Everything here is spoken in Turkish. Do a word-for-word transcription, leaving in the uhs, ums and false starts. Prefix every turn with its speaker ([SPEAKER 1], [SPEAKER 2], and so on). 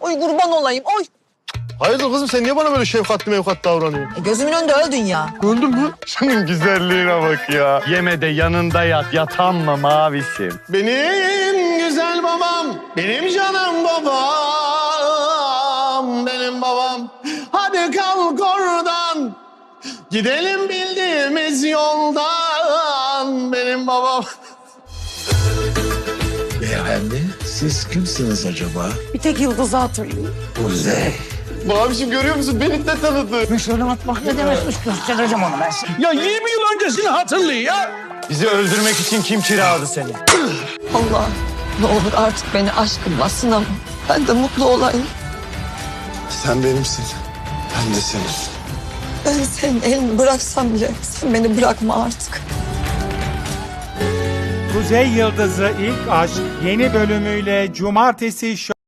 [SPEAKER 1] Oy kurban olayım oy.
[SPEAKER 2] Hayırdır kızım, sen niye bana böyle şefkatli mevkatli davranıyorsun?
[SPEAKER 1] E, gözümün önünde öldün ya.
[SPEAKER 2] Öldün mü?
[SPEAKER 3] Şunun güzelliğine bak ya. Yeme de yanında yat, yatan mı mavisim?
[SPEAKER 2] Benim güzel babam, benim canım babam, benim babam. Hadi kalk oradan, gidelim bildiğimiz yoldan, benim babam.
[SPEAKER 4] Beyefendi, siz kimsiniz acaba?
[SPEAKER 1] Bir tek Yıldız'ı hatırlıyorum.
[SPEAKER 4] Kuzey.
[SPEAKER 2] Babacığım görüyor musun? Beni de tanıdı.
[SPEAKER 5] Şöyle atmak ne demekmiş göstereceğim onu ben sana.
[SPEAKER 4] Ya yirmi yıl öncesini hatırlıyor ya.
[SPEAKER 3] Bizi öldürmek için kim kiraladı seni?
[SPEAKER 1] Allah ne olur artık beni aşkınla sınama. Ben de mutlu olayım.
[SPEAKER 2] Sen benimsin, ben de senin.
[SPEAKER 1] Ben senin elini bıraksam bile sen beni bırakma artık.
[SPEAKER 6] Kuzey Yıldızı İlk Aşk yeni bölümüyle Cumartesi